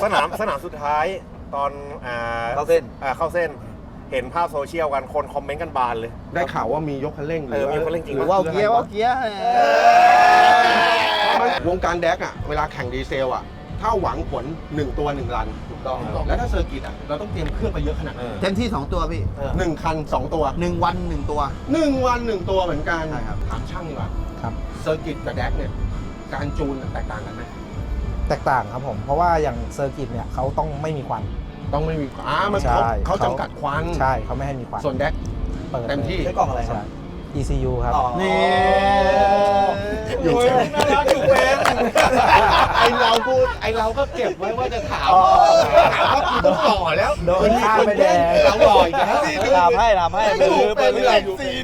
นามสุดท้ายตอนเข้าเส้นเห็นภาพโซเชียลกันคนคอมเมนต์กันบานเลยได้ข่าวว่ามียกคันเร่งมีคันเร่งจริงหรือว่าเกียร์วงการแดกอ่ะเวลาแข่งดีเซลอ่ะถ้าหวังผล1 ตัว 1 รันถูกต้องแล้วถ้าเซอร์กิตอ่ะเราต้องเตรียมเครื่องไปเยอะขนาดเต็มที่2 ตัวพี่ 1 คัน 2 ตัว 1 วัน 1 ตัว 1 วัน 1 ตัวเหมือนกันใช่ครับถามช่างดีกว่าครับเซอร์กิตกับแดกเนี่ยการจูนแตกต่างกันไหมแตกต่างครับผมเพราะว่าอย่างเซอร์กิตเนี่ยเขาต้องไม่มีควันต้องไม่มีมันเขาจำกัดควันใช่เขาไม่ให้มีควันส่วนแดกเต็มที่ใช้กล่องอะไรครับ ECU ครับนี่อยู่น่ารักอยู่เป็นไอเราก็เก็บไว้ว่าจะถามว่าคุณต้องต่อแล้วโดนข้ามไปแดงเราหล่ออีกแล้วลามให้ไปเรื่อย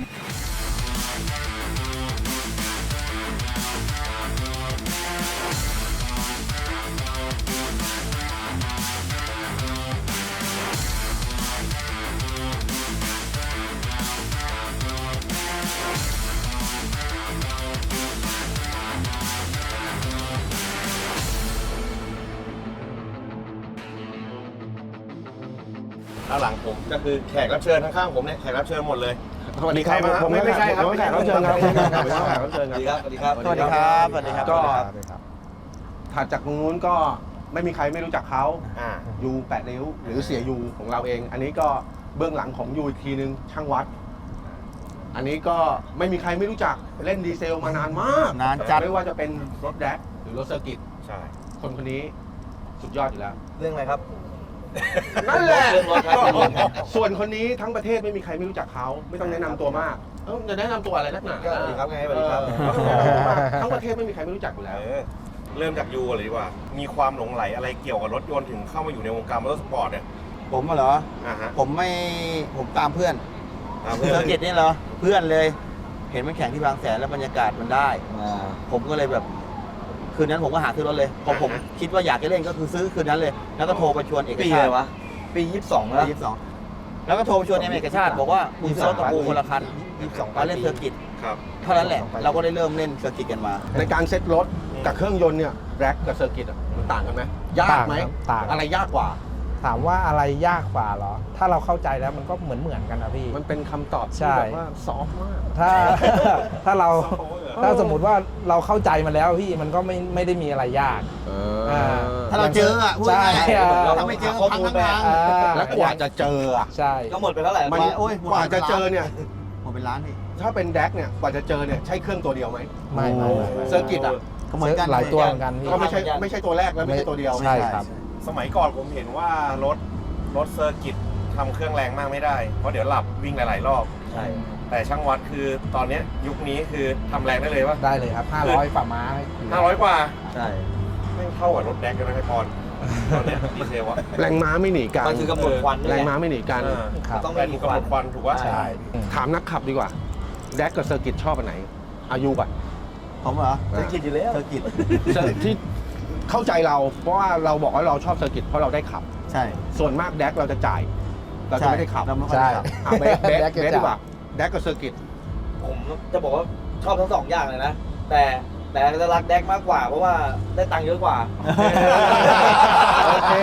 ด้านหลังผมก็คือแขกรับเชิญข้างๆผมเนี่ยแขกรับเชิญหมดเลยสวัสดีครับผมไม่ใช่ครับแขกรับเชิญครับแขกรับเชิญครับสวัสดีครับสวัสดีครับก็ถัดจากตรงนู้นก็ไม่มีใครไม่รู้จักเขายู8 นิ้วหรือเสียยูของเราเองอันนี้ก็เบื้องหลังของยูอีกทีนึงช่างวัดอันนี้ก็ไม่มีใครไม่รู้จักเล่นดีเซลมานานมากนานจัดไม่ว่าจะเป็นรถแดกหรือรถเซอร์กิตใช่คนนี้สุดยอดอยู่แล้วเรื่องอะไรครับนั่นแหละส่วนคนนี้ทั้งประเทศไม่มีใครไม่รู้จักเขาไม่ต้องแนะนำตัวมากจะแนะนำตัวอะไรนักหนาสวัสดีครับไงสวัสดีครับทั้งประเทศไม่มีใครไม่รู้จักอยู่แล้วเริ่มจากยูก่อนเลยดีกว่ามีความหลงไหลอะไรเกี่ยวกับรถยนต์ถึงเข้ามาอยู่ในวงการมอเตอร์สปอร์ตเนี่ยผมเหรอผมตามเพื่อนเซอร์กิตนี่เหรอเพื่อนเลยเห็นมันแข่งที่บางแสนแล้วบรรยากาศมันได้ผมก็เลยแบบคืนนั้นผมก็หาซื้อรถเลยพอผมคิดว่าอยากจะเล่นก็คือซื้อคืนนั้นเลยแล้วก็โทรไปชวนเอกชาติปี22แล้วแล้วก็โทรไปชวนเอกชาติบอกว่ามึงซื้อรถตะปูคนละคัน22มาเล่นเซอร์กิตเท่านั้นแหละเราก็ได้เริ่มเล่นเซอร์กิตกันมาในการเซ็ตรถกับเครื่องยนต์เนี่ยแร็กกับเซอร์กิตมันต่างกันไหมยากไหมอะไรยากกว่าถามว่าอะไรยากกว่าเหรอถ้าเราเข้าใจแล้วมันก็เหมือนกันนะพี่มันเป็นคำตอบที่แบบว่าซอฟต์มากถ้าเราถ้าสมมุติว่าเราเข้าใจมันแล้วพี่มันก็ไม่ได้มีอะไรยากถ้าเราเจออ่ะใช่ถ้าไม่เจอพังทั้งทางแล้วกว่าจะเจอใช่ก็หมดไปเท่าไหร่กว่าจะเจอเนี่ยหมดเป็นล้านนี่ถ้าเป็นแดกเนี่ยกว่าจะเจอเนี่ยใช้เครื่องตัวเดียวไหมไม่เซอร์กิตอ่ะก็เหมือนกันหลายตัวเหมือนกันก็ไม่ใช่ตัวแรกแล้วไม่ใช่ตัวเดียวใช่ครับสมัยก่อนผมเห็นว่ารถเซอร์กิตทำเครื่องแรงมากไม่ได้เพราะเดี๋ยวหลับวิ่งหลายๆรอบใช่แต่ช่างวัดคือตอนนี้ยุคนี้คือทำแรงได้เลยป่ะได้เลยครับ500ฝ่าม้า 500กว่าใช่ไม่เข้ากับรถแดกกันนะพี่พรตอนนี้ดีเซลวะแรงม้าไม่หนีกันมันคือกำหนดควันแรงม้าไม่หนีกันต้องเป็นกำหนดควันถูกว่าใช่ถามนักขับดีกว่าแดกกับเซอร์กิตชอบอันไหนอายุก่อนผมเหรอเซอร์กิตอยู่แล้วเซอร์กิตที่เข้าใจเราเพราะว่าเราบอกว่าเราชอบเซอร์กิตเพราะเราได้ขับใช่ส่วนมากแดกเราจะจ่ายเราจะไม่ได้ขับใช่เบสดีกว่าแดกกับเซอร์กิตผมจะบอกว่าชอบทั้ง2อย่างเลยนะแต่จะรักแดกมากกว่าเพราะว่าได้ตังค์เยอะกว่าโอเค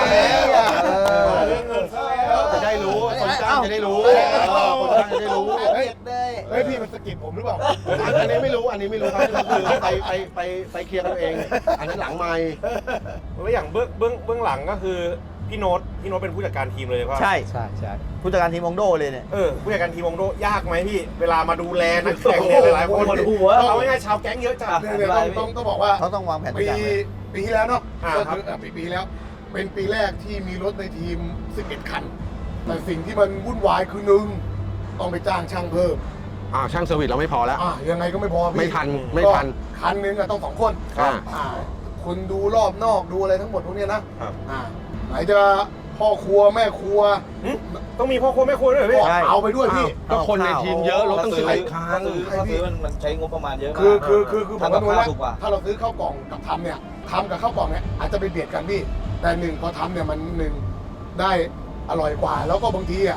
จะได้รู้คนจ้างจะได้รู้คนจ้างจะได้รู้เฮ้ยพี่มันสกิปผมหรือเปล่าอันนี้ไม่รู้ครับคือไปเคลียร์กันเองอันนั้นหลังไมค์แล้วอย่างเบื้องหลังก็คือพี่โน้ตเป็นผู้จัดการทีมเลยว่าใช่ผู้จัดการทีมวงโดเลยเนี่ยผู้จัดการทีมวงโดยากไหมพี่เวลามาดูแลนักแข่งหลายคนเราไม่ง่ายชาวแก๊งเยอะจัดต้องบอกว่าเขาต้องวางแผนปีที่แล้วเนาะปีแล้วเป็นปีแรกที่มีรถในทีม11 คันแต่สิ่งที่มันวุ่นวายคือ1ต้องไปจ้างช่างเพิ่มช่างเซอร์วิสเราไม่พอแล้วยังไงก็ไม่พอพี่ไม่ทันคันนึงต้อง2 คนคนดูรอบนอกดูอะไรทั้งหมดพวกนี้นะไหนจะพ่อครัวแม่ครัวต้องมีพ่อครัวแม่ครัวด้วยพี่เอาไปด้วยพี่ก็คนในทีมเยอะรถต้องซื้อคันมันใช้งบประมาณเยอะคือผมว่าถ้าเราซื้อข้าวกล่องกับทำเนี่ยทำกับข้าวกล่องเนี่ยอาจจะไปเบียดกันพี่แต่พอทำเนี่ยมันได้อร่อยกว่าแล้วก็บางที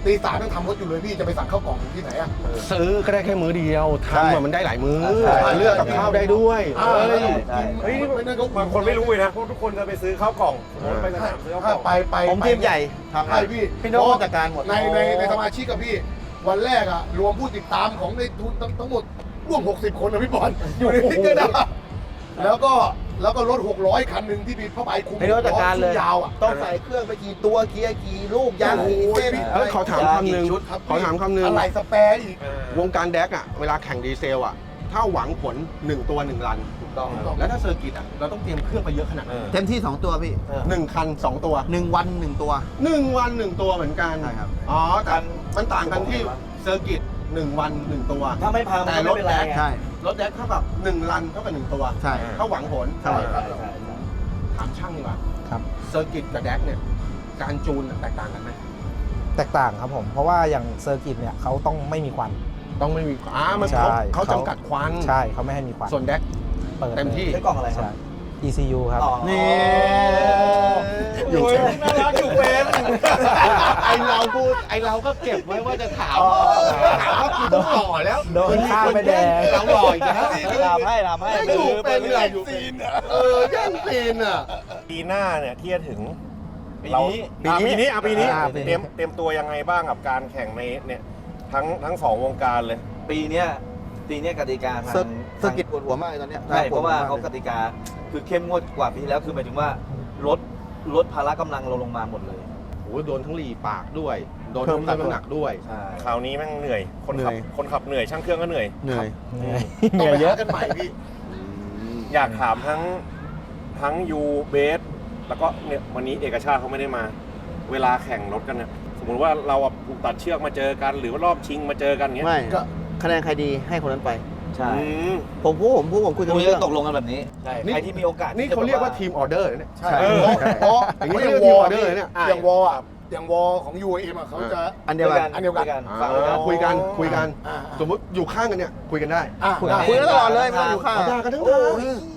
ตีสามต้องทำรถอยู่เลยพี่จะไปสั่งข้าวกล่องที่ไหนอะซื้อก็ได้แค่มื้อเดียวใช่ทำอะมันได้หลายมื้อใช่เลือกกับข้าวได้ด้วยอ่าเอ้ยเฮ้ยนี่บางคนไม่รู้เลยนะเพราะทุกคนจะไปซื้อข้าวกล่องไปสนามซื้อข้าวกถ้าล่องไปผมทีมใหญ่ทำใช่พี่พี่โน้ตจัดการหมดในสมาชิกกับพี่ วันแรกอะรวมผู้ติดตามของในทุนทั้งหมดร่วม 60 คนนะพี่บอลอยู่ในทิกเกอร์นะแล้วก็รถ 600 คันหนึ่งที่มีผ้าใบคลุมพี่โน้ตจัดการเลยยาวอะต้องใส่เครื่องไปกี่ตัวเกียร์กี่ลูกยางกี่เส้นเอ้ยขอถามคำหนึ่งชุดครับขอถามคำหนึ่งอะไรสแปร์อีกวงการแดกอะเวลาแข่งดีเซลอะถ้าหวังผล 1 ตัว 1 รันถูกต้องแล้วถ้าเซอร์กิตอะเราต้องเตรียมเครื่องไปเยอะขนาดไหนเต็มที่ 2 ตัวพี่ 1 คัน 2 ตัว 1 วัน 1 ตัว 1 วัน 1 ตัวเหมือนกันใช่ครับอ๋อแต่มันต่างกันที่เซอร์กิต1 วัน 1 ตัวถ้าไม่พังมันแต่ก็รไม่ถเป็นแดไรกไงใช่รถแดกเท่ากับ1 รันเท่ากับ1 ตัวใช่ถ้าหวังผลใช่ถามช่างดีกว่าครับเซอร์กิตกับแดกเนี่ยการจูนแตกต่างกันไหมแตกต่างครับผม เพราะว่าอย่างเซอร์กิตเนี่ยเขาต้องไม่มีควันต้องไม่มีมันใช่เขาจำกัดควันใช่เขาไม่ให้มีควันส่วนแดกเปิดเต็มที่ใช้กล่องอะไรครับใช่ ECU ครับอ๋อนี่อยู่โอ้ยน่ารักอยู่เป็นไอเราก็เก็บไว้ว่าจะถามว่ากูต้องหล่อแล้วโดนข้ามไปแดงเราหล่ออีกแล้วลามให้ไไม่ม่อยู่เป็นเลยอยู่ซีนแย่งซีนอ่ะปีหน้าเนี่ยที่จะถึงปีเรานี้ปีนี้ปีนี้ปีนี้เตรียมตัวยังไงบ้างกับการแข่งในเนี่ยทั้งสองวงการเลยปีเนี้ยกติกาทางเซอร์กิตปวดหัวมากเลยตอนเนี้ยใช่เพราะว่าปดหัเขามกติกาคือเข้มงวดกว่าปีที่แล้วคือหมายถึงว่าลดภาระกำลังเราลงมาหมดเลยโอ้โดนทั้งหลีปากด้วย โดนทั้งเพิ่มน้ำหนักด้วยใช่คราวนี้แม่งเหนื่อย คนขับเหนื่อยช่างเครื่องก็เหนื่อยเหนื่อยเหนื่อยต้เหองนื่อยไปเยหาอะกันใหม่พี่อยากถามทั้งยูเบสแล้วก็เนี่ยวันนี้เอกชาติเขาไม่ได้มา เวลาแข่งรถกันเนี่ยสมมติว่าเราถูกตัดเชือกมาเจอกัน หรือว่ารอบชิงมาเจอกันเงี้ยไม่ก็คะแนนใครดีให้คนนั้นไปใช่อืมผมคุยกันคุยเรื่กัอน งตกลงกันแบบนี้ใช่นี่ใครที่มีโอกาสนี่เขาเรียกว่าทีมออเดอร์เนี่ยใช่เออเพราะอย่างนี้เพราะเรียกวว่าอทีมออเดอร์เนี่ยอย่างวออะอย่างวอของ UAM อะเขาจะอันเดียวกันอันเดียวกันฟังกันคุยกันอ่าสมมติอยู่ข้างกันเนี่ยคุยกันได้คุยกันตลอดเลยไม่ต้องอยู่ข้างเอาด่ากันทั้งทาง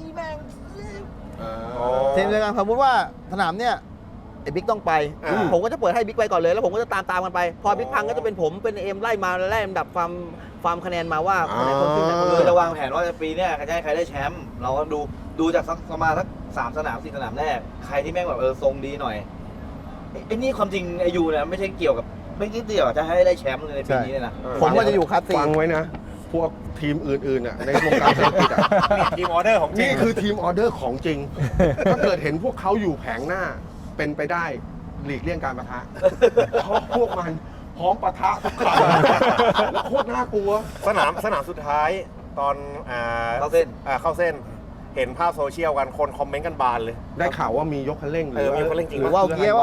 ทีมเดียวกันสมมติว่าสนามเนี่ยไอ้บิ๊กต้องไป ผมก็จะเปิดให้บิ๊กไปก่อนเลยแล้วผมก็จะตามกันไป พอบิ๊กพังก็จะเป็นผมเป็นเอ็มไล่มาไล่ลำดับความคะแนนมาว่าคนไหนคนขึ้นไหนคนคืเลอย จะวางแผนว่าปีเนี้ยใครจะให้ใครได้แชมป์เราก็ดูจากประมาณสัก3 สนาม 4 สนามแรกใครที่แม่งแบบทรงดีหน่อยไอ้นี่ความจริงไอยูเนี่ยไม่ใช่เกี่ยวกับไม่เกี่ยวจะให้ได้แชมป์ในปีนี้เลยนะผมว่าจะอยู่คลาสสี่ฟังไว้นะ พวกทีมอื่นๆอ่ะในวงการเศรษฐกิจอ่ะทีมออเดอร์ของจรินี่งคือทีมออเดอร์ของจริง ถ้าเกิดเห็นพวกเขาอยู่แผงหน้าเป็นไปได้หลีกเลี่ยงการปะทะเพราะพวกมันพร้อมปะทะทุกครั้งแล้วโคตรน่ากลัวสนามสุดท้ายตอนเข้าเส้นเข้าเส้น เห็นภาพโซเชียลกันคนคอมเมนต์กันบานเลยได้ข่าวว่ามียกคันเร่งหรือมียกคันเร่งจริงหรือว่าเกียร์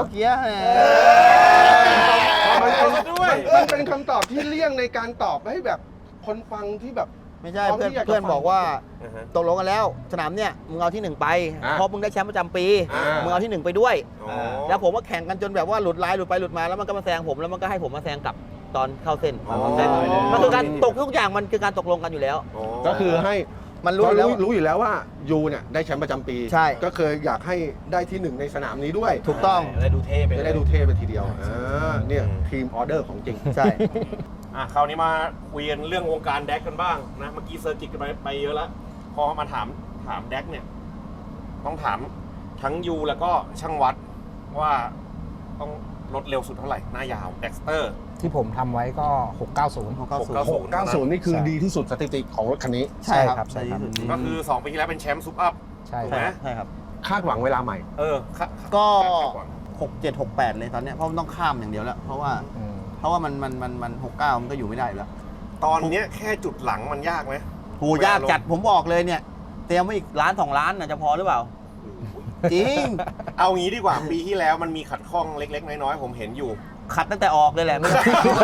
มันเป็นคำตอบที่เลี่ยงในการตอบให้แบบคนฟังที่แบบไม่ใช่พร้อมที่อยากจะเพื่อนบอกว่าอือฮะตกลงกันแล้ว สนามเนี่ยมึงเอาที่ 1 ไปอ่ะเพราะมึงได้แชมป์ประจำปีอ่ามึมึงเอาที่ 1 ไปด้วยอ๋อแล้วผมว่าแข่งกันจนแบบว่าหลุดลายหลุดไปหลุดมาแล้วมันก็มาแซงผมแล้วมันก็ให้ผมมาแซงกลับตอนเข้าเส้นอ๋อมันคือการตกทุกอย่างมันคือการตกลงกันอยู่แล้วอ๋อก็คือให้มันรู้อยู่แล้วรู้อยู่แล้วว่ายูเนี่ยได้แชมป์ประจำปีใช่ก็เคยอยากให้ได้ที่ 1 ในสนามนี้ด้วยถูกต้องได้ดูเท่ไปจะได้ดูเท่ไปทีเดียวเนี่ยทีมออเดอร์ของจริงใช่คราวนี้มาคุยกันเรื่องวงการแดกกันบ้างนะเมื่อกี้เซอร์กิตกันไปเยอะแล้วพอมาถามแดกเนี่ยต้องถามทั้งยูแล้วก็ช่างวัดว่าต้องลดเร็วสุดเท่าไหร่หน้ายาวแด็กสเตอร์ที่ผมทำไว้ก็ 690 690 นี่คือดีที่สุดสถิติของรถคันนี้ใช่ครับใช่ครับก็คือ2ปีที่แล้วเป็นแชมป์ซุปอัพใช่ถูกคไหมรับใช่ครับคาดหวังเวลาใหม่ก็คาดหวัง 67 68 เลยตอนเนี้ยเพราะมันต้องข้ามอย่างเดียวแล้ว เพราะว่ามัน69 มันก็อยู่ไม่ได้อยู่แล้วตอนเนี้ยแค่จุดหลังมันยากไหมโหยากจัดผมบอกเลยเนี่ย เตรียมไว้อีก1 ล้าน 2 ล้านน่ะจะพอหรือเปล่า จริงเอางี้ดีกว่าปีที่แล้วมันมีขัดข้องเล็กๆน้อยๆผมเห็นอยู่ขัดตั้งแต่ออกเลยแหละไม่ต้อง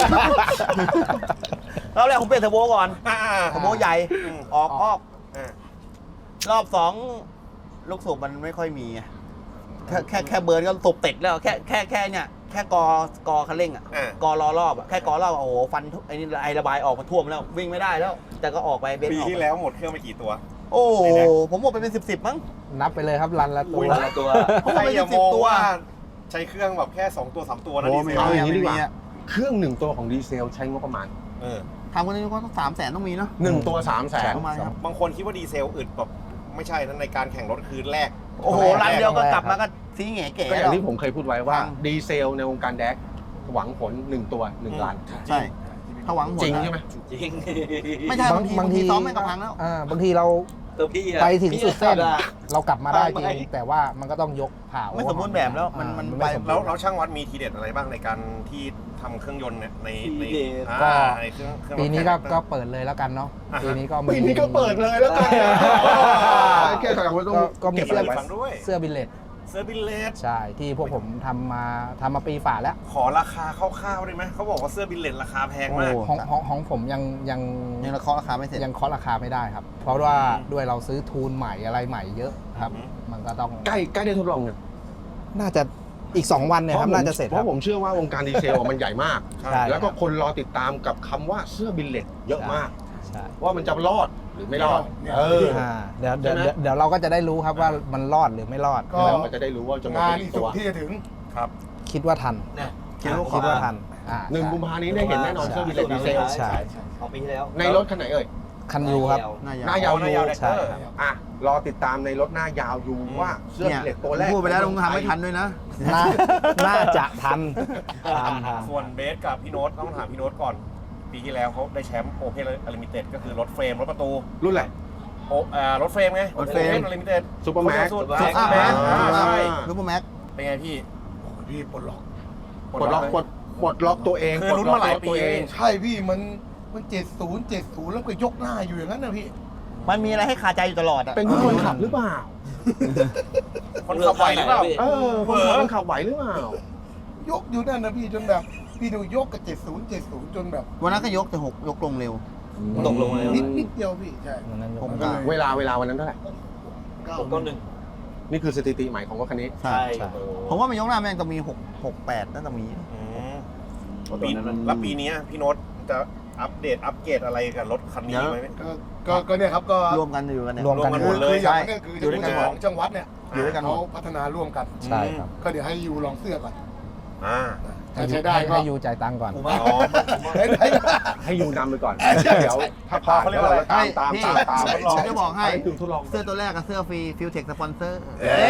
รอบแรกผมเปลี่ยนเทอร์โบก่อนเทอร์โบใหญ่ออกอ่ารอบ 2 ลูกสูบมันไม่ค่อยมีไงแค่เบิร์นก็สูบติดแล้วแค่เนี่ยแค่กอคันเร่งอ่ะ กอล้อรอบอ่ะแค่กอรอบโอ้โหฟันไอ้นี่ไอระบายออกมาท่วมแล้ววิ่งไม่ได้แล้ว แต่ก็ออกไปเบนซ์ปีออกที่แล้วหมดเครื่องไปกี่ตัวโอ้ผมหมดไปเป็น10มั้งนับไปเลยครับรันละตัอุ้วยตัวผมหมดใครไปอย่าเป็นมอง 10 ตัวว่าใช้เครื่องแบบแค่2 ตัว 3 ตัวนะดีเซลเอาอย่างนี้ดีกว่าเครื่องหนึ่งตัวของดีเซลใช้งบประมาณทำกันนี้ก็ต้อง300,000ต้องมีเนาะ 1 ตัว 300,000 ประมาณครับบางคนคิดว่าดีเซลอึดแบบไม่ใช่นะในการแข่งรถคือแรกโอ้โหรันเดียวก็กลับมาก็ซีเก๋ก็ๆอย่างที่ผมเคยพูดไว้ว่าฟังดีเซลในวงการแดกหวังผล 1 ตัว 1 ล้านใช่ถ้าหวังผลจริงใช่ไหมจริงไม่ใช่บางทีซ้อมไม่กระพังแล้วบางทีเราตัวพี่อะไปถึงสุดเส้นพี่อะเรากลับมาได้จไม่ริง แต่ว่ามันก็ต้องยกผ่าไม่สมบูรณ์แบบแล้วมันอ่าไปสมบูรณ์แล้วช่างวัดมีทีเด็ดอะไรบ้างในการที่ทำเครื่องยนต์เนี่ยในก็ในเครื่องรถปีนี้แข่งก็เปิดเลยแล้วกันเนาะอ่าฮะปีนี้ก็มีปีนี้ก็เปิดเลยแล้วกันแค่ขนาดว่าต้องก็มีเก็บเสื้อะอไรไว้ฟังด้วยเสื้อบิลเลตเสื้อบิลเลตใช่ที่พวกผมทำมาปีฝ่าแล้วขอราคาคร่าวๆได้ไหมเขาบอกว่าเสื้อบิลเลตราคาแพงมากของผมยังยังราคาไม่เสร็จยังเคาะราคาไม่ได้ครับ เพราะว่าด้วยเราซื้อทูนใหม่อะไรใหม่เยอะครับอืมมันก็ต้องใกล้ได้ทดลองเนี่ยน่าจะอีก 2 วันเนี่ยครับน่าจะเสร็จเพครับราะผมเชื่อว่าวงการดีเซลมันใหญ่มากใช่แล้วก็คนรอติดตามกับคำว่าเสื้อบิลเลตเยอะมากใช่ว่ามันจะรอดหรือไม่รอดเนี่ยเออเดี๋ยวใช่ไหมเดี๋ยวเราก็จะได้รู้ครับว่ามันรอดหรือไม่รอดก็แล้วมันจะได้รู้ว่าจะหมดงานกี่อีกตัสุวดที่จะถึงครับคิดว่าทันเนี่ยคิดว่าคิดว่าทันหนึ่งกุมภานี้ได้เห็นแน่นอนเสื้อบิลเลตดีเซลใช่ของปีที่แล้วในรถคันไหนเอ่ยคันยูครับหน้ายาวหน้ายาวยูใช่ครับอ่ะรอติดตามในรถหน้ายาวยูว่าเสื้อเนี่บิยลเลตตัวแรกพูดไปแล้วต้องทำให้ทันด้วยนะน่าจะทันทันส่วนเบสกับพี่โน้ตต้องถามพี่โน้ตก่อน ปีที่แล้วเขาได้แชมป์โอเพนอลิมิเต็ดก็คือรถเฟรมรถประตูรุ่นอะไรรถเฟรมไงรถเฟรมอลิมิเต็ด Supermax สุดซุปอัพนะใช่ซุปเปอร์แม็กเป็นไงพี่โอ้ยพี่ปลดล็อกปลดล็อกปลดล็อกตัวเองคือลุ้นมาหลายปีตัวเองใช่พี่มัน70แล้วก็ยกหน้าอยู่อย่างนั้นนะพี่มันมีอะไรให้คาใจอยู่ตลอดอ่ะเป็นคนขับหรือเปล่าคนขับไหวหรือเปล่าเออคนขับมันขับไหวหรือเปล่ายกอยู่นั่นนะพี่จนแบบพี่ดูยกกับ70จนแบบวันนั้นก็ยกแต่6ยกลงเร็วตกลงมาแล้วนิดเดียวพี่ใช่วันนั้นยกผมไม่ก็ได้เวลาวันนั้นเท่าไหร่ตกต้นหนึ่งนี่คือสถิติใหม่ของรถคันนี้ใช่โอ้โหผมว่ามันยกหน้าแม่งต้องมี6-8น่าจะมีปีแล้วปีนี้พี่โน้ตจะอัปเกรดอะไรกับรถคันนี้ไหมก็เนี่ยครับก็รวมกันอยู่กันเนี่ยรวมกันหมดเลยคืออย่างนี้คืออยู่ด้วยกันของจังหวัดเนี่ยอยู่ด้วยกันหมดเขาพัฒนาร่วมกันใช่ครับก็เดี๋ยวให้ยูลองเสื้อก่อนอ่าถ้าใช้ได้ก็ให้ยูจ่ายตังค์ก่อนผมว่าอ๋อได้ได้ให้ยูนำไปก่อนใช่เดี๋ยวถ้าผ่านเขาเรียกว่าอะไรตามพี่ตามผมจะบอกให้คือทดลองเสื้อตัวแรกกับเสื้อฟรีฟิวเทคสปอนเซอร์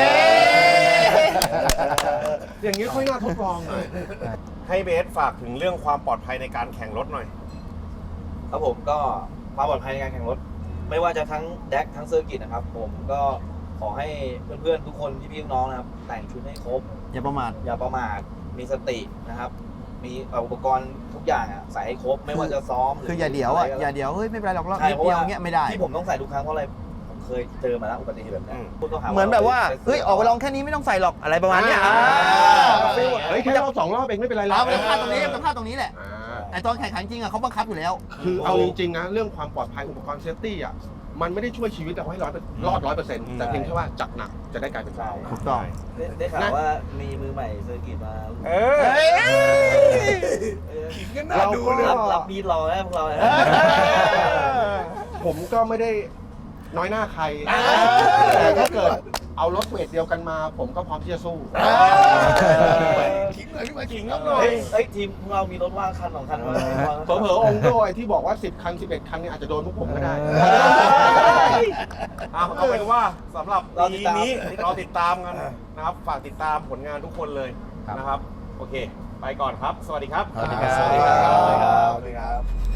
อย่างนี้ค่อยน่าทดลองหน่อยให้เบสฝากถึงเรื่องความปลอดภัยในการแข่งรถหน่อยครับผมก็ความปลอดภัยในการแข่งรถ ไม่ว่าจะทั้งแดกทั้งเซอร์กิตนะครับ ผมก็ขอให้เพื่อนๆทุกคนพี่ๆน้องๆนะครับ แต่งชุดให้ครบอย่าประมาทอย่าประมาทมีสตินะครับ มีอุปกรณ์ทุกอย่างอะใส่ให้ครบ ไม่ว่าจะซ้อมหรืคืออย่าเดี๋ยวอ่ะะไรก็อย่าเดี๋ยวเฮ้ยไม่เป็นไรหรอกเราใช่นิดเพราะเดียวว่าเงี้ยไม่ได้ที่ผมต้องใส่ทุกครั้งเพราะอะไรผมเคยเจอมาแล้วอุบัติเหตุแบบนี้พูดก็หาเหมือนแบบว่าไปเฮ้ยออกไปลองแค่นี้ไม่ต้องใส่หรอกอะไรประมาณเนี้ยเฮ้ยแค่รอบ2 รอบเองไม่เป็นไรหรอกเอาไปพลาดตรงนี้ไปพลาดตรงนี้แหละอ่าไอตอนแข่งขันจริงอ่ะเขาบังคับอยู่แล้วคือเอาจริงๆนะเรื่องความปลอดภัยอุปกรณ์เซฟตี้อ่ะมันไม่ได้ช่วยชีวิตเราให้รอด100%แต่เพียงแค่ว่าจากหนักจะได้กลายเป็นเบาถูกต้องได้ข่าวว่ามีมือใหม่เซอร์กิตมาขิงกันน่าดูเลยรับมีดรอนะพวกเรานะผมก็ไม่ได้น้อยหน้าใคร แต่ถ้าเกิดเอารถเวทเดียวกันมา ผมก็พร้อมที่จะสู้ขิงหน่อยพี่มาขิงครัครับ บหน่อยเฮ้ยทีมพวกเรามีรถว่างคัน2 คันมาเผลอๆองค์ด้วยที่บอกว่า10 คัน 11 คันเนี่ยอาจจะโดนพวกผมก็ได้เอาเป็นว่าสำหรับปีนี้เราติดตามกันนะครับ ฝากติดตามผลงานทุกคนเลยนะครับ โอเค ไปก่อนครับ สวัสดีครับสวัสดีครับสวัสดีครับ